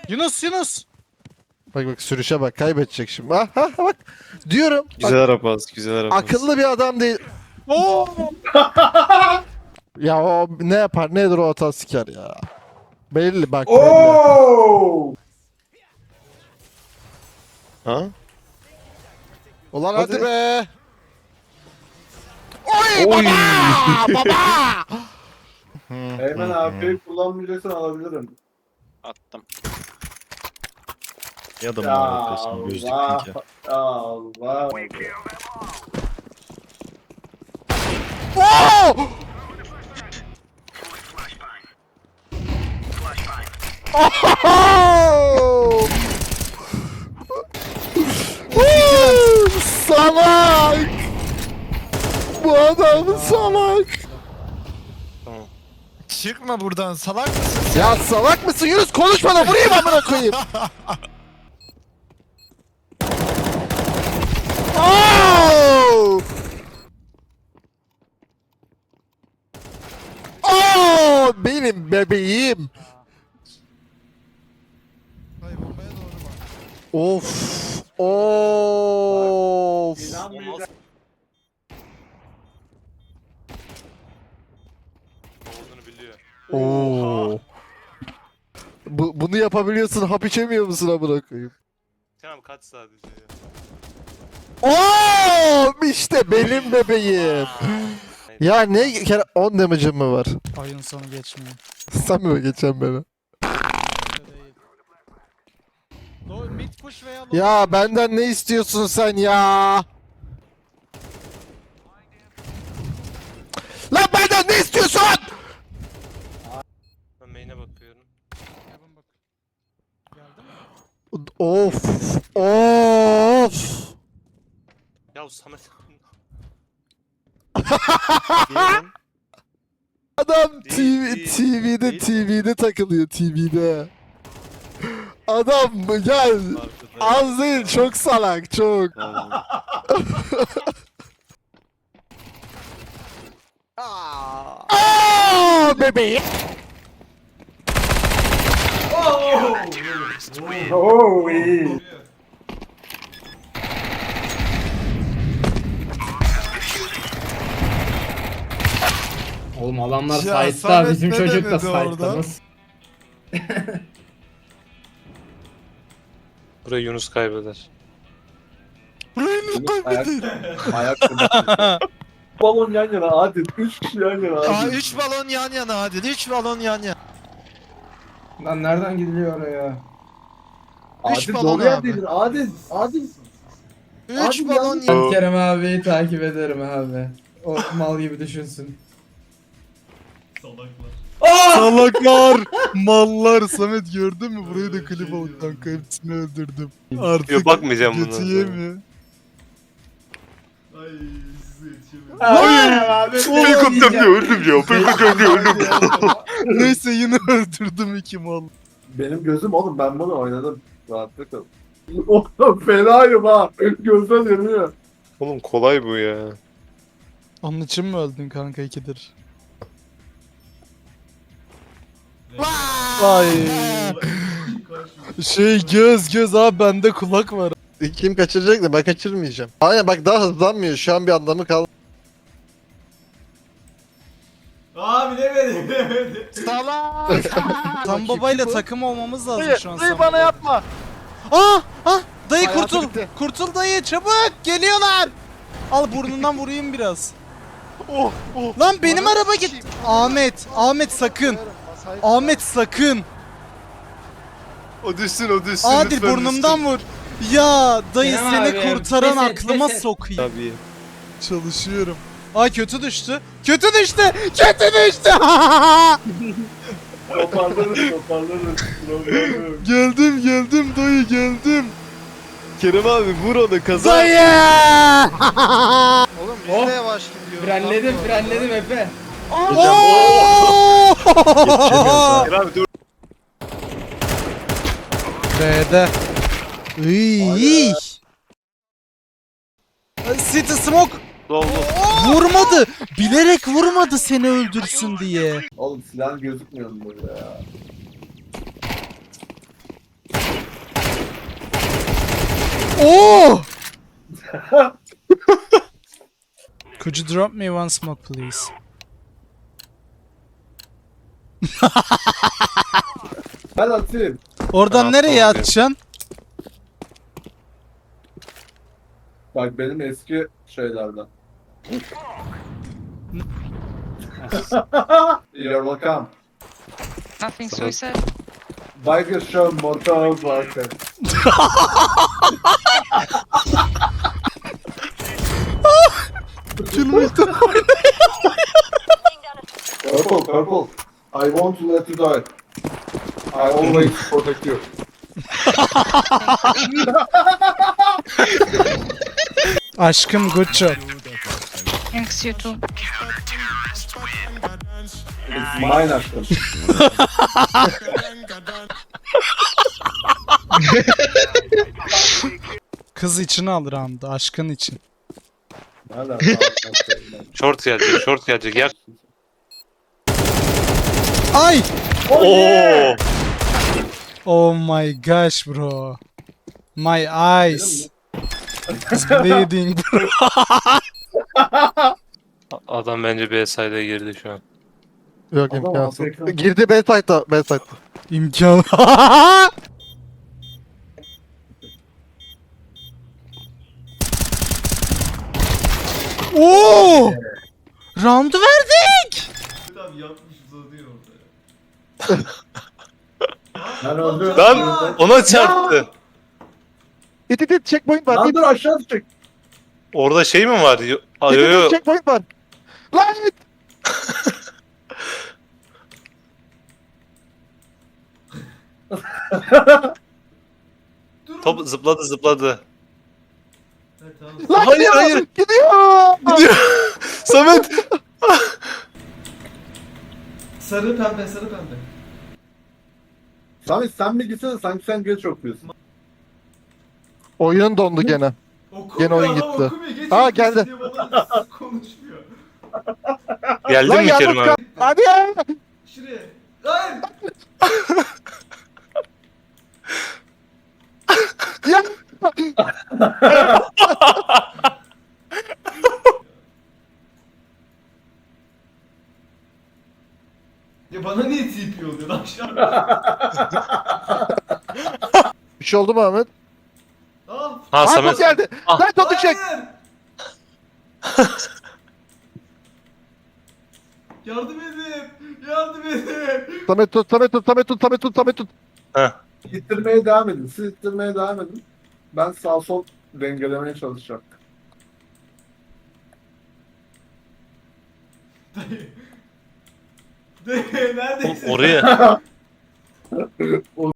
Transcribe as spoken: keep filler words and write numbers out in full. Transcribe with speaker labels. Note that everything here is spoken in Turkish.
Speaker 1: Yunus Yunus.
Speaker 2: Bak bak sürüşe bak, kaybedecek şimdi. Ha ha bak. Diyorum. Bak,
Speaker 3: Güzel araba, güzel araba.
Speaker 2: akıllı bir adam değil.
Speaker 1: Oo.
Speaker 2: Ya o ne yapar nedir o hata siker ya. Belli bak belli.
Speaker 4: Oo!
Speaker 3: Ha?
Speaker 2: Ulan hadi,
Speaker 3: Hadi.
Speaker 2: be. Oy,
Speaker 3: Oy.
Speaker 2: baba baba.
Speaker 4: Eymen abi kullanmayacaksan alabilirim.
Speaker 1: Attım.
Speaker 3: Ya da
Speaker 4: Ya
Speaker 3: arkasını gözlük
Speaker 4: Allah.
Speaker 3: pinke.
Speaker 4: Ya Allah.
Speaker 2: Oo! Oh! Woo! Salak! Bu adam salak!
Speaker 3: Tamam.
Speaker 1: Çıkma buradan salak mısın?
Speaker 2: Ya salak mısın Yunus? Konuşma da vurayım amına koyayım! Oh! Oh! Benim bebeğim!
Speaker 1: Hayır bombaya doğru bak.
Speaker 2: Of! Of!
Speaker 4: İnanmayacak.
Speaker 2: Oo. Bu, bunu yapabiliyorsun, hap içemiyor musun amına koyayım?
Speaker 3: Tamam kaç sadece ya.
Speaker 2: Oo! İşte benim bebeğim. Ya ne kere on damage'ım mı var?
Speaker 1: Oyun sonu geçmiyor.
Speaker 2: Sen mi geçen beni?
Speaker 1: Öyle değil. Low, mid push veya low.
Speaker 2: Ya benden ne istiyorsun sen ya? Lan benden ne istiyorsun?
Speaker 3: Ben main'e bakıyorum.
Speaker 1: Heaven bak. Geldi mi?
Speaker 2: Of! Of!
Speaker 3: Ya Samet.
Speaker 2: Adam T
Speaker 3: Değil,
Speaker 2: V,
Speaker 3: değil,
Speaker 2: T V'de
Speaker 3: değil.
Speaker 2: T V'de takılıyor T V'de. Adam gel. Az değil, çok salak, çok. Aa, bebeğim.
Speaker 4: Oo iyi.
Speaker 5: Oğlum adamlar
Speaker 1: Ya
Speaker 5: site'da,
Speaker 1: Samet
Speaker 5: bizim
Speaker 1: ne
Speaker 5: çocuk da
Speaker 1: denedi
Speaker 5: site'da.
Speaker 1: orada?
Speaker 5: Nasıl?
Speaker 3: Burayı Yunus kaybeder.
Speaker 4: Ayak, ayak balon yan yana hadi. Üç kişi yan yana
Speaker 1: Aa
Speaker 4: hadi.
Speaker 1: üç balon yan yana hadi. üç balon yan yana.
Speaker 5: Lan nereden gidiliyor oraya?
Speaker 1: üç
Speaker 4: Adil
Speaker 1: balon
Speaker 4: doğru
Speaker 1: abi.
Speaker 4: yerdeydin. Adil. Adil.
Speaker 1: üç
Speaker 4: Abi,
Speaker 1: balon
Speaker 4: yalnız-
Speaker 1: yan.
Speaker 5: Ben Kerem abiyi takip ederim abi. O mal gibi düşünsün.
Speaker 1: Salaklar, mallar. Samet gördün mü? Burayı da klip al kanka. Hepsini öldürdüm. Artık
Speaker 3: Yok bakmayacağım
Speaker 1: götü
Speaker 3: bundan sonra.
Speaker 1: yemiyor.
Speaker 5: Hayır abi.
Speaker 3: Helikopter diye öldüm ya. Helikopter diye öldüm.
Speaker 1: Neyse yine öldürdüm iki mal.
Speaker 4: Benim gözüm oğlum ben bunu oynadım. Rahatlıkla. Oğlum fenayım ha. Gözden yanıyor.
Speaker 3: Oğlum kolay bu ya.
Speaker 1: Onun için mi öldün kanka ikidir? Ay. Şey göz göz abi bende kulak var.
Speaker 2: Kim kaçıracak da ben kaçırmayacağım. Aynen bak daha hızlanmıyor. Şu an bir anlamı kalmadı.
Speaker 6: Aa bilemedi bilemedi.
Speaker 1: Salak. Tam babayla takım olmamız lazım
Speaker 2: Dayı,
Speaker 1: şu an.
Speaker 2: dayı
Speaker 1: Sam
Speaker 2: bana
Speaker 1: Baba.
Speaker 2: yapma.
Speaker 1: Ah ah dayı
Speaker 2: Hayatı
Speaker 1: kurtul.
Speaker 2: bitti.
Speaker 1: Kurtul dayı çabuk geliyorlar. Al burnundan vurayım biraz.
Speaker 2: Oh, oh.
Speaker 1: Lan benim
Speaker 2: Bana
Speaker 1: araba
Speaker 2: sikeyim.
Speaker 1: git. Ahmet Ahmet sakın. Ahmet sakın.
Speaker 3: O düşsün o düşsün.
Speaker 1: Adil burnumdan vur. Ya dayı
Speaker 5: Kerem
Speaker 1: seni
Speaker 5: abi,
Speaker 1: kurtaran
Speaker 5: pes et,
Speaker 1: aklıma
Speaker 5: pes et.
Speaker 1: sokayım.
Speaker 3: Tabii.
Speaker 1: Çalışıyorum. Aa kötü düştü. Kötü düştü. Kötü düştü.
Speaker 4: Toparlarız toparlarız. Problem yok.
Speaker 1: geldim geldim dayı geldim.
Speaker 3: Kerem abi vur onu kazan.
Speaker 1: Dayı.
Speaker 2: Oğlum biz
Speaker 5: Oh.
Speaker 2: de yavaş gidiyoruz.
Speaker 5: Frenledim frenledim Efe.
Speaker 1: Oo!
Speaker 3: Kerem abi dur.
Speaker 1: B'de. Iy. City Smoke
Speaker 3: Doldu.
Speaker 1: vurmadı. Bilerek vurmadı seni öldürsün diye.
Speaker 4: Oğlum silah gözükmüyor mu burada ya?
Speaker 1: Oo! Could you drop me one smoke please?
Speaker 4: Ben atayım.
Speaker 1: Oradan
Speaker 3: Ben
Speaker 1: nereye
Speaker 3: atmam
Speaker 1: atacaksın?
Speaker 4: Bak benim eski şeylerden. You're welcome.
Speaker 7: Nothing suicide.
Speaker 4: Biker show motor biker. Purple, purple. I won't let you die. I always protect you.
Speaker 1: Aşkım good job.
Speaker 7: Thanks, you too.
Speaker 4: It's mine aşkım.
Speaker 1: Kız için al round'u aşkın için.
Speaker 4: Nereden?
Speaker 3: Short gelecek, short gelecek. Yer.
Speaker 1: Ay!
Speaker 3: Oo!
Speaker 1: Oh my gosh bro. My eyes. It's bleeding bro.
Speaker 3: Adam bence B side'e girdi şu an.
Speaker 2: Yok
Speaker 4: Adam
Speaker 2: imkansız.
Speaker 4: Afrika.
Speaker 2: Girdi B site'da. B site'da.
Speaker 1: İmkan. Oo! Round'u verdik.
Speaker 6: Abi yapmış uzanıyor orada ya.
Speaker 4: Ben öldüm.
Speaker 3: Lan ona çarptı.
Speaker 2: İt it it checkpoint var.
Speaker 4: Lan
Speaker 2: İt
Speaker 4: dur aşağı düşecek.
Speaker 3: Orada şey mi var? Yo, Ay,
Speaker 2: it
Speaker 3: yo,
Speaker 2: it
Speaker 3: yo.
Speaker 2: it checkpoint var. Lan it.
Speaker 6: Dur.
Speaker 3: Top zıpladı zıpladı.
Speaker 6: Evet, tamam.
Speaker 2: Lan
Speaker 3: Hayır,
Speaker 2: gidiyor.
Speaker 3: hayır.
Speaker 2: Gidiyor.
Speaker 3: Samet!
Speaker 6: Sarı pembe sarı pembe.
Speaker 4: Sami sen mi gitsene sanki sen geç okuyorsun.
Speaker 2: Oyun dondu gene.
Speaker 6: Okumuyor
Speaker 2: Gene oyun
Speaker 6: adam,
Speaker 2: gitti.
Speaker 6: okumuyor. Geç
Speaker 2: Aa,
Speaker 6: okuyorsun
Speaker 2: geldi.
Speaker 6: diye bana konuşmuyor.
Speaker 3: Geldin
Speaker 2: Lan
Speaker 3: mi
Speaker 2: yalnız
Speaker 3: Kerim
Speaker 2: kal.
Speaker 3: abi?
Speaker 2: Hadi ya.
Speaker 6: Şuraya. Hayır.
Speaker 2: Ya.
Speaker 6: Ya bana niye T P oluyor lan aşağı?
Speaker 2: Bir şey oldu mu Ahmet?
Speaker 6: Ah.
Speaker 3: Ha
Speaker 2: Aa,
Speaker 3: Samet.
Speaker 2: top geldi.
Speaker 3: Ah.
Speaker 2: Lan topu çek.
Speaker 6: Hayır. Yardım edin. Yardım edin.
Speaker 2: Samet tut, Samet tut, Samet tut, Samet tut, Samet tut.
Speaker 3: Heh.
Speaker 4: İttirmeye devam edin. Siz ittirmeye devam edin. Ben sağ sol dengelemeye çalışacağım.
Speaker 6: Dayı. Dayı neredesin?
Speaker 3: Oraya.